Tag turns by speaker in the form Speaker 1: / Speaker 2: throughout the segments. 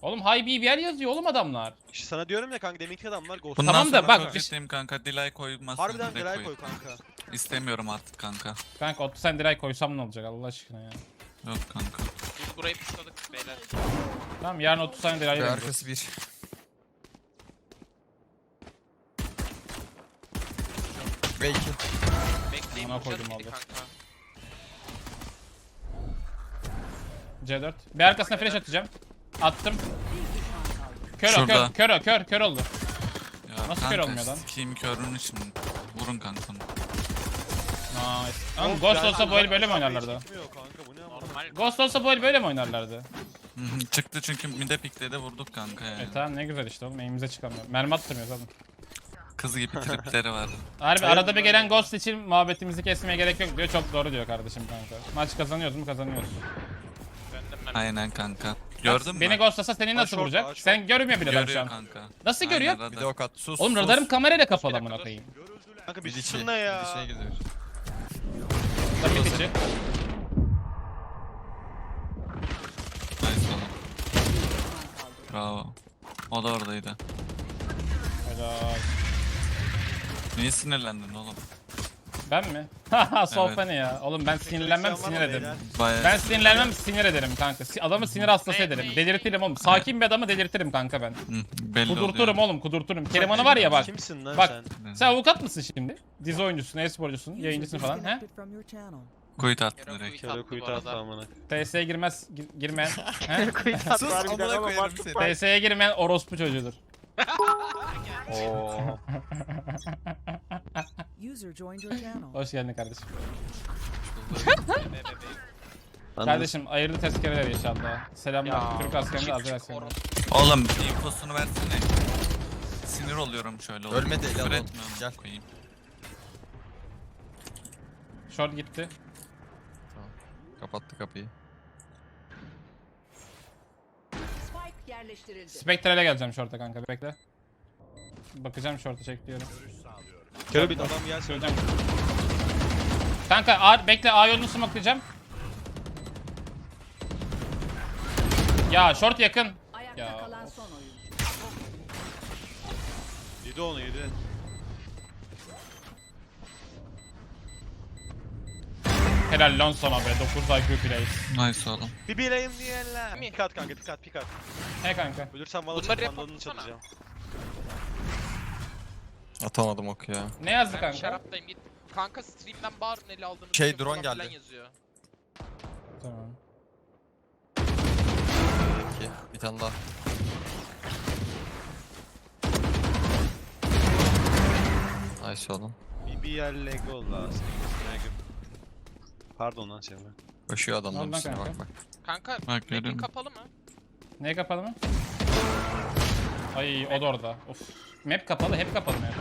Speaker 1: Oğlum high BBL yazıyor oğlum adamlar.
Speaker 2: İşte sana diyorum ya kanka deminki adamlar Ghost.
Speaker 3: Bundan
Speaker 1: Tamam da
Speaker 3: sonra
Speaker 1: bak,
Speaker 3: çok ciddiyim kanka. Delay koymazsın.
Speaker 2: Harbiden
Speaker 3: direkt
Speaker 2: delay koy kanka.
Speaker 3: İstemiyorum artık kanka.
Speaker 1: Kanka 30 sen direkt koysam ne olacak Allah aşkına ya.
Speaker 3: Yok kanka.
Speaker 4: Biz burayı pushladık beyler.
Speaker 1: Tamam yarın 30 saniye direkt
Speaker 5: Ve
Speaker 1: vereceğiz.
Speaker 5: arkası bir. Ve iki.
Speaker 4: Bekleyin
Speaker 1: Amına
Speaker 4: pushladık
Speaker 1: koydum
Speaker 4: midi
Speaker 1: abi.
Speaker 4: kanka.
Speaker 1: C4. Bir arkasına flash atacağım. Attım. Kör o
Speaker 3: Şurada.
Speaker 1: kör oldu.
Speaker 3: Ya
Speaker 1: Nasıl
Speaker 3: kanka,
Speaker 1: kör olmuyor lan?
Speaker 3: Sikeyim körün için. Vurun kanka.
Speaker 1: Nice. Ama Ghost olsa bu el böyle mi oynarlardı?
Speaker 2: Çıkmıyor kanka bu ne ama.
Speaker 4: Normal.
Speaker 1: Ghost olsa bu el böyle mi oynarlardı?
Speaker 3: Hı hı, çıktı çünkü mide pikledi vurduk kanka yani.
Speaker 1: Tamam ne güzel işte oğlum elimize çıkamıyor. Mermi attırmıyoruz oğlum.
Speaker 3: Kız gibi tripleri var.
Speaker 1: Harbi
Speaker 2: Evet,
Speaker 1: arada bir
Speaker 2: böyle.
Speaker 1: gelen Ghost için muhabbetimizi kesmeye gerek yok diyor. Çok doğru diyor kardeşim kanka. Maç kazanıyoruz mu kazanıyoruz.
Speaker 4: Döndüm ben.
Speaker 3: Aynen kanka. Gördün mü?
Speaker 1: Beni Ghostlasa seni nasıl
Speaker 2: Aşort,
Speaker 1: vuracak?
Speaker 2: aşort.
Speaker 1: Sen görmüyor bile ben şu
Speaker 3: Görüyor
Speaker 1: an.
Speaker 3: kanka.
Speaker 1: Nasıl
Speaker 3: Aynen,
Speaker 1: görüyor?
Speaker 3: radar.
Speaker 5: Bir de ok at. Sus.
Speaker 1: Oğlum
Speaker 5: sus.
Speaker 1: radarım kamerayla kapalı
Speaker 4: Bir
Speaker 1: amına
Speaker 4: dakika,
Speaker 1: koyayım.
Speaker 2: Kanka
Speaker 5: Bir
Speaker 2: bir
Speaker 5: içi.
Speaker 2: susun ne ya.
Speaker 5: Bir içine gidiyor.
Speaker 1: Tabii içi.
Speaker 3: Nice oğlum. Bravo. O da oradaydı.
Speaker 1: Helal.
Speaker 3: Niye sinirlendin oğlum?
Speaker 1: Ben mi? Haha sohbet
Speaker 3: Evet.
Speaker 1: ne ya? Oğlum ben sinirlenmem sinir ederim.
Speaker 3: Bayağı.
Speaker 1: Ben sinirlenmem sinir ederim kanka. Adamı sinir hastası ederim. Delirtirim oğlum. Sakin bir adamı delirtirim kanka ben.
Speaker 3: Hı, belli
Speaker 1: Kudurturum
Speaker 3: oluyor.
Speaker 1: oğlum kudurturum. Keriman'ı var ya bak.
Speaker 2: Kimsin lan
Speaker 1: Bak.
Speaker 2: sen?
Speaker 1: Sen avukat mısın şimdi? Dizi oyuncusun, e-sporcusun, yayıncısın falan he?
Speaker 3: Kuyut attı
Speaker 4: Yarın
Speaker 3: direkt.
Speaker 4: kuyut
Speaker 2: Kere
Speaker 4: attı
Speaker 2: kuyut
Speaker 4: bu
Speaker 2: attı
Speaker 4: arada.
Speaker 2: amına.
Speaker 1: TS'ye girmez, girmeyen he?
Speaker 5: Sus amına koyarım seni.
Speaker 1: TS'ye girmeyen orospu çocuğudur.
Speaker 2: Oo.
Speaker 6: User joined your channel.
Speaker 1: Hoş geldin kardeşim.
Speaker 2: Ben
Speaker 1: Kardeşim hayırlı tezkereler inşallah. Selamlar.
Speaker 4: Ya,
Speaker 1: Türk askerinde
Speaker 4: küçük
Speaker 1: azer askerinde.
Speaker 3: Oğlum infosunu versene. Sinir oluyorum şöyle. oğlum.
Speaker 5: Ölmedi,
Speaker 3: Küfür
Speaker 5: el al.
Speaker 3: etmiyorum,
Speaker 5: Gel.
Speaker 3: koyayım.
Speaker 1: Short gitti.
Speaker 5: Kapattı kapıyı.
Speaker 6: Spike yerleştirildi.
Speaker 1: Spectre'le geleceğim short'a kanka bekle. Bakacağım short'a çekliyorum.
Speaker 2: Kere bir adam gelsin.
Speaker 1: Söyleyeceğim. Kanka A, bekle A yolunu smokelayacağım. Ya short yakın.
Speaker 6: Ayakta
Speaker 1: Ya,
Speaker 6: kalan son oyuncu.
Speaker 2: Yedi onu yedi.
Speaker 1: Helal lan sana be 9 IQ plays.
Speaker 3: Nice oğlum.
Speaker 2: Bir bileyim diyenler. Pik at kanka pik at pik at.
Speaker 1: He kanka.
Speaker 2: Ölürsem valla
Speaker 4: Bunları
Speaker 2: çatmandanını
Speaker 4: yapmasana.
Speaker 2: çalacağım.
Speaker 5: Atamadım oku ya.
Speaker 1: Ne yazdı
Speaker 4: Ben
Speaker 1: kanka?
Speaker 4: şaraptayım git. Kanka stream'den bağır neli aldığını.
Speaker 5: Şey,
Speaker 4: falan
Speaker 5: drone
Speaker 4: filan
Speaker 5: geldi.
Speaker 4: Yazıyor.
Speaker 1: Tamam.
Speaker 5: İki. Bir tane daha. Nice oğlum.
Speaker 2: BBL Lego lazım. Pardon lan Çevre.
Speaker 5: Koşuyor adamların
Speaker 1: Ondan
Speaker 5: üstüne
Speaker 1: kanka.
Speaker 5: bak bak.
Speaker 4: Kanka
Speaker 3: Bak,
Speaker 4: map'in
Speaker 3: görüyorum.
Speaker 4: kapalı mı?
Speaker 1: Ne kapalı mı? Ay o da orada. Of. Map kapalı, hep kapalı map.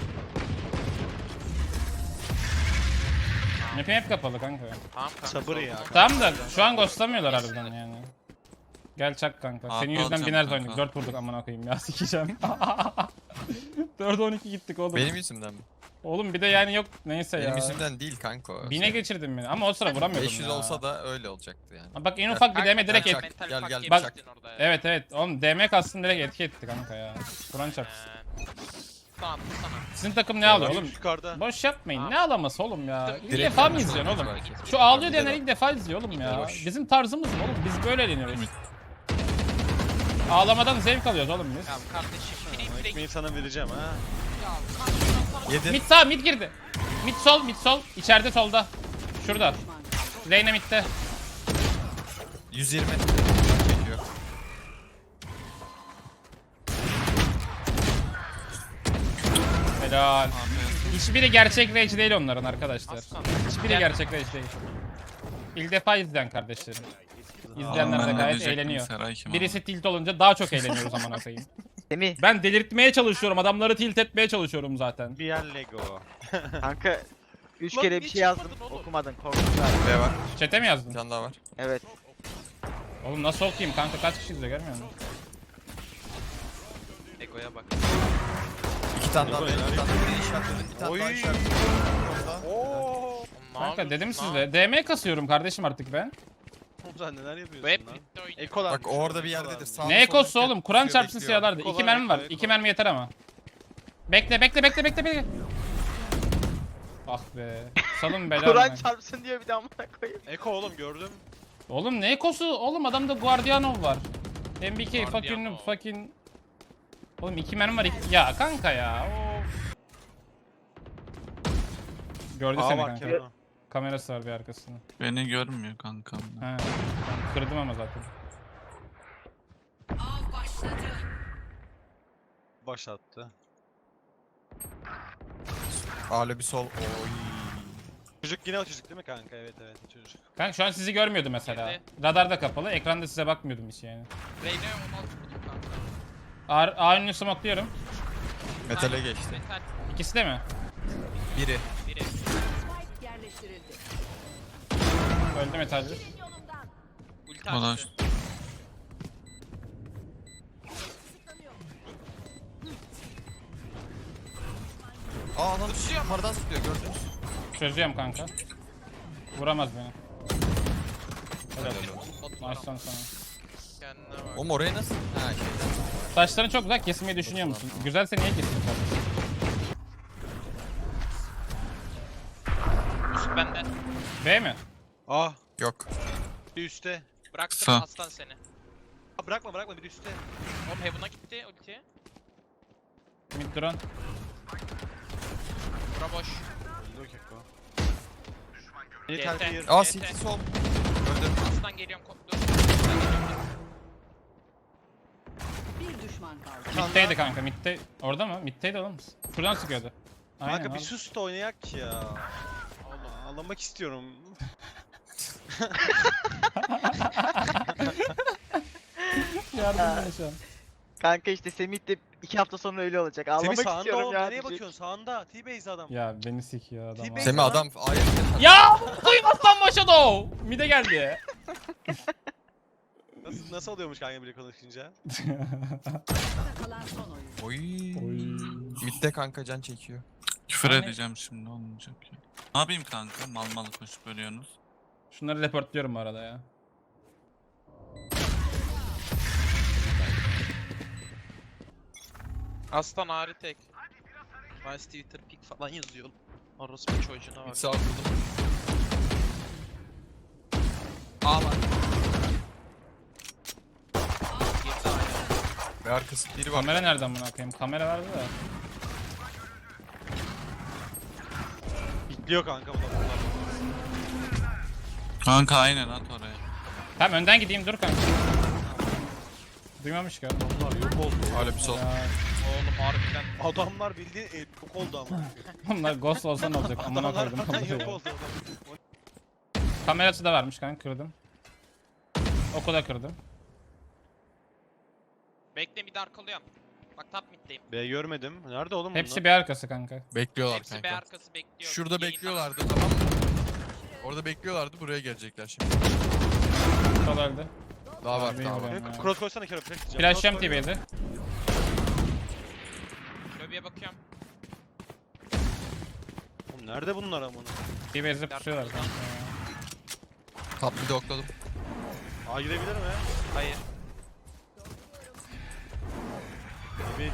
Speaker 1: Map'im hep kapalı kanka.
Speaker 4: Tamam kanka.
Speaker 2: Sabır ya.
Speaker 1: Tamam da şu an ghostlamıyorlar harbiden yani. Gel çak kanka.
Speaker 3: Abi
Speaker 1: Senin yüzünden
Speaker 3: alacağım
Speaker 1: biner
Speaker 3: kanka.
Speaker 1: oynadık. 4 vurduk amına koyayım ya sikeceğim. 4'e 12 gittik oğlum.
Speaker 5: Benim yüzümden mi?
Speaker 1: Oğlum bir de yani yok neyse
Speaker 5: Benim
Speaker 1: ya.
Speaker 5: yüzümden değil kanka o.
Speaker 1: Bine geçirdim beni ama o sıra vuramıyordum
Speaker 5: 500
Speaker 1: ya.
Speaker 5: olsa da öyle olacaktı yani.
Speaker 1: Bak en ufak bir DM direkt
Speaker 5: Çak.
Speaker 1: et.
Speaker 4: Mental
Speaker 5: Gel,
Speaker 4: fuck
Speaker 5: gel,
Speaker 4: yemiştin
Speaker 5: bak.
Speaker 4: orada ya.
Speaker 1: Evet evet oğlum DM kastını direkt etki etti kanka ya. Kur'an çarpsın.
Speaker 4: Tamam bu sana.
Speaker 1: Sizin takım ne alıyor oğlum?
Speaker 2: Yukarıda.
Speaker 1: Boş yapmayın. Ne ağlaması oğlum ya? İlk
Speaker 5: Direkt
Speaker 1: defa mı
Speaker 5: gelmez
Speaker 1: izliyorsun
Speaker 5: oğlum
Speaker 1: oğlum?
Speaker 5: belki.
Speaker 1: Şu ağlıyor
Speaker 5: Bir
Speaker 1: diyenler
Speaker 5: de
Speaker 1: ilk defa izliyor oğlum ya.
Speaker 5: Boş.
Speaker 1: Bizim tarzımız mı oğlum? Biz böyle eğleniyoruz. Ağlamadan zevk alıyoruz oğlum biz.
Speaker 4: Ya kardeşim free
Speaker 2: Ekmeği
Speaker 4: free.
Speaker 2: sana vereceğim ha.
Speaker 4: Ya kanka sana.
Speaker 5: Yedi.
Speaker 1: Mid sağ, mid girdi. Mid sol, mid sol. İçeride solda. Şurada. Reyna midde.
Speaker 5: 120. Çekiyor.
Speaker 1: Helal. Hiçbiri gerçek rage değil onların arkadaşlar.
Speaker 4: Aslan.
Speaker 1: Hiçbiri gerçek rage değil. İlk defa izleyen kardeşlerim. İzleyenler de
Speaker 3: Ben ne
Speaker 1: gayet
Speaker 3: diyecektim,
Speaker 1: eğleniyor.
Speaker 3: Seray kim
Speaker 1: Birisi tilt olunca daha çok eğleniyoruz aman koyayım.
Speaker 7: Semih
Speaker 1: Ben delirtmeye çalışıyorum. Adamları tilt etmeye çalışıyorum zaten.
Speaker 2: BBL Lego.
Speaker 7: kanka 3
Speaker 4: Lan
Speaker 7: kere
Speaker 4: niye
Speaker 7: bir şey yazdım
Speaker 4: çıkmadın oğlum?
Speaker 7: okumadın korktun abi.
Speaker 5: B var.
Speaker 1: Çete mi
Speaker 5: Bir
Speaker 1: yazdın?
Speaker 5: tane daha var.
Speaker 7: Evet.
Speaker 1: Oğlum nasıl okuyayım kanka kaç kişi izliyor görmüyor musun?
Speaker 4: Ego'ya bak.
Speaker 5: İki tane daha.
Speaker 2: Yok,
Speaker 5: Bir
Speaker 2: helal.
Speaker 5: tane daha işaretledim. Bir tane daha
Speaker 2: Oy.
Speaker 5: işaretledim. Orada.
Speaker 2: Oo.
Speaker 1: Kanka dedim sizle DM kasıyorum kardeşim artık ben.
Speaker 2: sen neler
Speaker 4: Bu
Speaker 2: yapıyorsun
Speaker 4: hep
Speaker 2: lan?
Speaker 4: midde oynuyor.
Speaker 2: Ekolar.
Speaker 5: Bak orada bir yerdedir. Sağda
Speaker 1: Ne ekosu
Speaker 5: solda
Speaker 1: oğlum? Kur'an
Speaker 5: bekliyor,
Speaker 1: çarpsın
Speaker 5: bekliyor.
Speaker 1: silahlarda.
Speaker 2: Eko
Speaker 1: 2
Speaker 2: var,
Speaker 1: mermi var.
Speaker 2: eko, eko.
Speaker 1: 2 mermi yeter ama. Bekle. Ah be. Salın beyler.
Speaker 7: Kur'an çarpsın diyor bir de amına koyayım.
Speaker 2: Eko oğlum gördüm.
Speaker 1: Oğlum ne ekosu? Oğlum adamda Guardianov var. MBK
Speaker 4: Guardianov.
Speaker 1: fucking. Oğlum 2 mermi var. Ya kanka ya. Of. Gördü
Speaker 2: Aa
Speaker 1: seni
Speaker 2: var
Speaker 1: kanka.
Speaker 2: Kenan.
Speaker 1: Kamerası var bir arkasında.
Speaker 3: Beni görmüyor kankam.
Speaker 1: He. Kırdım ama zaten.
Speaker 6: Av başladı.
Speaker 2: Başlattı.
Speaker 5: Alo bir sol. Oy.
Speaker 2: Çocuk yine o çocuk değil mi kanka? Evet çocuk.
Speaker 1: Kanka şu an sizi görmüyordu mesela.
Speaker 4: Girdi.
Speaker 1: Radar da kapalı. Ekranda size bakmıyordum hiç yani.
Speaker 4: Reyna'ya 16 vurdum kanka.
Speaker 1: A önünü smokluyorum.
Speaker 5: Metale geçti.
Speaker 4: Metal
Speaker 1: İkisi de mi?
Speaker 5: Biri.
Speaker 4: biri.
Speaker 6: Spike yerleştirildi.
Speaker 1: Öldü metalci.
Speaker 4: Ulti
Speaker 3: Bana
Speaker 4: açtı.
Speaker 5: Aa lan yukarıdan sıkıyor gördünüz.
Speaker 1: Çözüyorum kanka. Vuramaz beni. Helal.
Speaker 4: Batuhan
Speaker 1: Maçtan sonra.
Speaker 4: kendine bak.
Speaker 5: Oğlum oraya nasıl? Ha şeyden.
Speaker 1: Saçların çok güzel, kesmeyi düşünüyor musun? Güzelse niye kesin kardeşim?
Speaker 4: Üst bende.
Speaker 1: B mi?
Speaker 2: Ah
Speaker 5: Yok.
Speaker 2: bir üstte.
Speaker 4: Bıraktım
Speaker 3: Kısa.
Speaker 4: aslan seni.
Speaker 2: Aa, bırakma bir üstte.
Speaker 4: Oğlum Heaven'a gitti ulti.
Speaker 1: Mid drone.
Speaker 4: Bura boş.
Speaker 2: Öldü o Keko. Beni
Speaker 4: GT.
Speaker 2: terk yer.
Speaker 5: Aa
Speaker 4: GT.
Speaker 5: CT sol. Öldüm.
Speaker 4: Aslan geliyorum dur. Aslan geliyorum.
Speaker 6: Bir düşman kaldı.
Speaker 1: Mid'deydi kanka, mid'de. Orada mı? Mid'deydi oğlum. Şuradan sıkıyordu. Aynen
Speaker 2: Kanka bir
Speaker 1: abi.
Speaker 2: sus da oynayak ki ya. Allah ağlamak istiyorum.
Speaker 1: Yardım bana şu an.
Speaker 7: Kanka işte Semih de 2 hafta sonra öyle olacak.
Speaker 2: Semih
Speaker 7: Ağlamak
Speaker 2: sağında
Speaker 7: istiyorum
Speaker 2: oğlum
Speaker 7: ya.
Speaker 2: nereye
Speaker 7: diyecek.
Speaker 2: bakıyorsun? Sağında. T-base adam.
Speaker 1: Ya beni sikiyor adam.
Speaker 2: Tipe-
Speaker 1: abi.
Speaker 5: Semih adam ayet.
Speaker 1: Ya duymazsan başladı o. Mid'e geldi.
Speaker 2: Nasıl oluyormuş kanka bile konuşunca?
Speaker 6: Kalan son oyun.
Speaker 5: Oy.
Speaker 1: Oy.
Speaker 5: Midde kanka can çekiyor.
Speaker 3: Küfür
Speaker 1: Yani-
Speaker 3: edeceğim şimdi olmayacak ya. Ne yapayım kanka? Mal mal koşup ölüyorsunuz.
Speaker 1: Şunları reportluyorum bu arada ya.
Speaker 4: Aslan ağrı tek. Vice Twitter pick falan yazıyor. Orospu çocuğuna
Speaker 5: Mid
Speaker 4: bak.
Speaker 5: sağ vurdum.
Speaker 4: A var. Girdi A'ya.
Speaker 5: Ve arkası biri var.
Speaker 1: Kamera nereden buna koyayım? Kamera vardı da.
Speaker 2: Bitliyor kanka bu da bunlar.
Speaker 3: Kanka aynen at oraya.
Speaker 1: Tamam önden gideyim dur kanka. Duymamış ki adam.
Speaker 2: Bunlar yok oldu.
Speaker 5: Alo bir sol.
Speaker 1: Ya,
Speaker 4: Oğlum harbiden.
Speaker 2: Adamlar bildiğin yok oldu ama.
Speaker 1: bunlar ghost olsa ne olacak? Amına
Speaker 2: Adamlar
Speaker 1: koydum.
Speaker 2: falan yok oldu.
Speaker 1: Kamerası da varmış kanka, kırdım. Oku da kırdım.
Speaker 4: Bekle bir de arkalıyorum. Bak top middeyim.
Speaker 2: B görmedim. Nerede oğlum bunlar?
Speaker 1: Hepsi bir arkası kanka.
Speaker 5: Bekliyorlar
Speaker 4: Hepsi B
Speaker 5: kanka.
Speaker 4: arkası bekliyor.
Speaker 5: Şurada
Speaker 4: Yayından
Speaker 5: bekliyorlardı tamam mı? Orada bekliyorlardı buraya gelecekler şimdi.
Speaker 1: Sol öldü.
Speaker 5: Daha var
Speaker 1: Abi,
Speaker 5: daha var.
Speaker 1: vuruyorum ya.
Speaker 2: Cross koysana kere flash diyeceğim.
Speaker 1: Flash'cam
Speaker 2: Cross koy.
Speaker 1: TV'de.
Speaker 4: Lobiye bakıyorum.
Speaker 2: Oğlum nerede bunlar amına?
Speaker 1: TV'de pusuyorlar kanka.
Speaker 5: Top bir de okladım.
Speaker 2: A girebilir mi?
Speaker 4: Hayır.
Speaker 2: T-base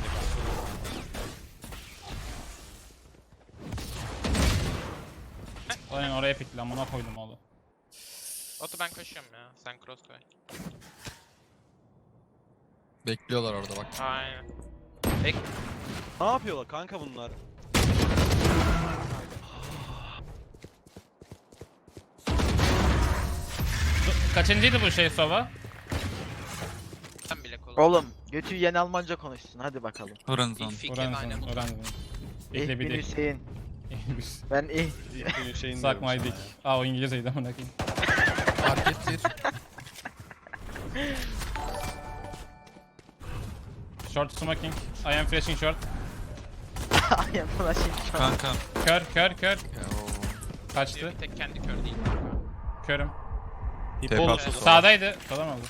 Speaker 1: Aynen oraya pikli, amına koydum oğlum.
Speaker 4: Otu ben koşuyorum ya. Sen cross koy.
Speaker 5: Bekliyorlar orada bak.
Speaker 4: Aynen.
Speaker 2: Ne yapıyorlar kanka bunlar?
Speaker 1: Kaçıncıydı bu şey Sova?
Speaker 4: Sen bile kolay.
Speaker 7: Oğlum götü yiyen Almanca konuşsun hadi bakalım.
Speaker 3: Horizon.
Speaker 4: İlfiken aynen.
Speaker 1: Oran.
Speaker 7: İh
Speaker 1: İhle bir
Speaker 7: bin
Speaker 1: dik.
Speaker 7: Hüseyin. Ben ih.
Speaker 2: İlk günün şeyini
Speaker 1: Suck
Speaker 2: diyorum
Speaker 1: my
Speaker 2: sana
Speaker 1: dick.
Speaker 2: ya.
Speaker 1: Aa o İngilizceydi amına koyayım.
Speaker 5: Market bir.
Speaker 1: Short smoking. I am flashing short.
Speaker 7: Ay buna şey şu an.
Speaker 3: Kanka.
Speaker 1: Kör.
Speaker 5: Ya,
Speaker 1: Kaçtı.
Speaker 4: Bir tek kendi kör değil.
Speaker 1: Körüm.
Speaker 5: Tepe
Speaker 2: Bol-
Speaker 5: atıyor.
Speaker 1: Sağdaydı. Falan oldu.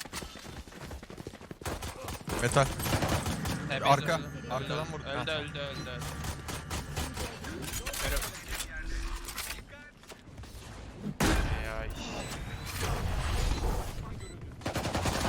Speaker 5: Metal.
Speaker 4: TB'de
Speaker 5: Arka.
Speaker 4: öldü.
Speaker 5: Arkadan vurdu.
Speaker 4: Öldü. Körüm. Ay.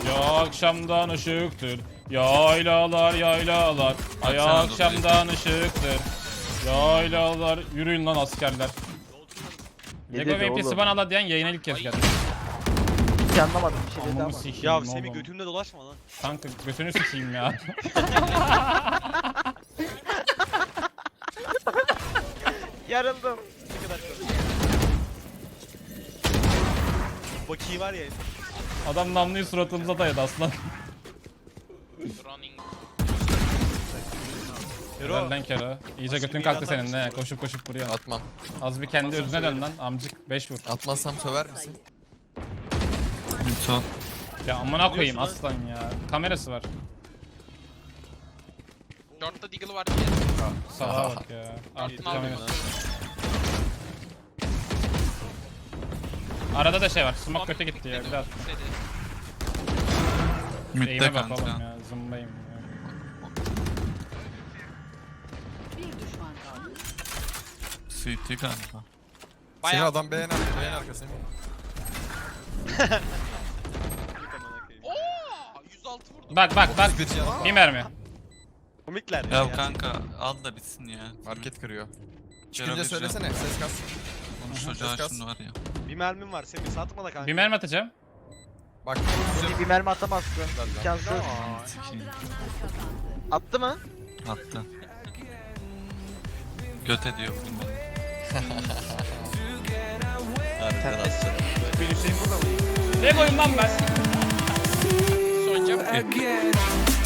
Speaker 1: Ya akşamdan ışıktır. Yaylalar yaylalar. Ay
Speaker 3: Baksana
Speaker 1: akşamdan ışıktır. Yaylalar. Yürüyün lan askerler.
Speaker 7: Ne
Speaker 1: Lego
Speaker 7: dedi
Speaker 1: VP'si
Speaker 7: oğlum?
Speaker 1: bana ala diyen yayına ilk kez geldi.
Speaker 7: Hiç anlamadım bir şey dedi
Speaker 1: Amımı
Speaker 7: ama.
Speaker 1: sikeyim
Speaker 2: Ya
Speaker 1: oğlum.
Speaker 2: Semih götümde dolaşma lan.
Speaker 1: Kanka götünü sikeyim ya.
Speaker 7: Yarıldım.
Speaker 2: Ne kadar komik. Baki var ya.
Speaker 1: Adam namluyu suratımıza dayadı aslan.
Speaker 4: Running.
Speaker 2: Hero.
Speaker 1: Benden kere. İyice götün kalktı senin ne? Koşup koşup vuruyor.
Speaker 5: Atmam.
Speaker 1: Az bir kendi özüne dön lan amcık 5 vur.
Speaker 5: Atmazsam söver misin?
Speaker 3: Mid sol.
Speaker 1: Ya amına koyayım
Speaker 2: Biliyorsun
Speaker 1: aslan ya. Kamerası var.
Speaker 4: Short'ta Deagle var diye.
Speaker 1: Sağa bak ya. Artık
Speaker 4: Altına
Speaker 1: kamerası.
Speaker 4: aldım.
Speaker 1: Arada da şey var. Smoke kötü gitti ya. Bir daha.
Speaker 3: Mid'de
Speaker 1: Eğime bak oğlum
Speaker 3: kanka.
Speaker 1: ya. Zımbayım ya.
Speaker 6: Bir düşman kaldı.
Speaker 3: CT kanka.
Speaker 5: Seni
Speaker 4: Bayağı
Speaker 5: adam beğen arka, beğen arka Semih.
Speaker 4: Ooo 106 vurdum.
Speaker 1: Bak bak bak.
Speaker 5: 31 canı.
Speaker 1: Bir mermi.
Speaker 2: Komikler ya.
Speaker 3: Ya kanka al da bitsin ya.
Speaker 5: Market kırıyor.
Speaker 3: Cero
Speaker 5: Çıkınca
Speaker 3: bir
Speaker 5: söylesene ses kas.
Speaker 3: Konuş çocuğa
Speaker 5: Ses kas.
Speaker 3: şimdi var ya.
Speaker 2: Bir mermim var Semih satma da kanka.
Speaker 1: Bir mermi atacağım.
Speaker 5: Bak.
Speaker 7: Seni bir mermi atamazsın. İmkansız.
Speaker 3: Sikeyim.
Speaker 6: Saldıranlar kazandı.
Speaker 7: Attı mı?
Speaker 3: Attı. Göt ediyor bugün beni.
Speaker 2: Bir Hüseyin burada mı?
Speaker 1: Ne koyayım lan ben?
Speaker 4: Son cam.
Speaker 3: Again.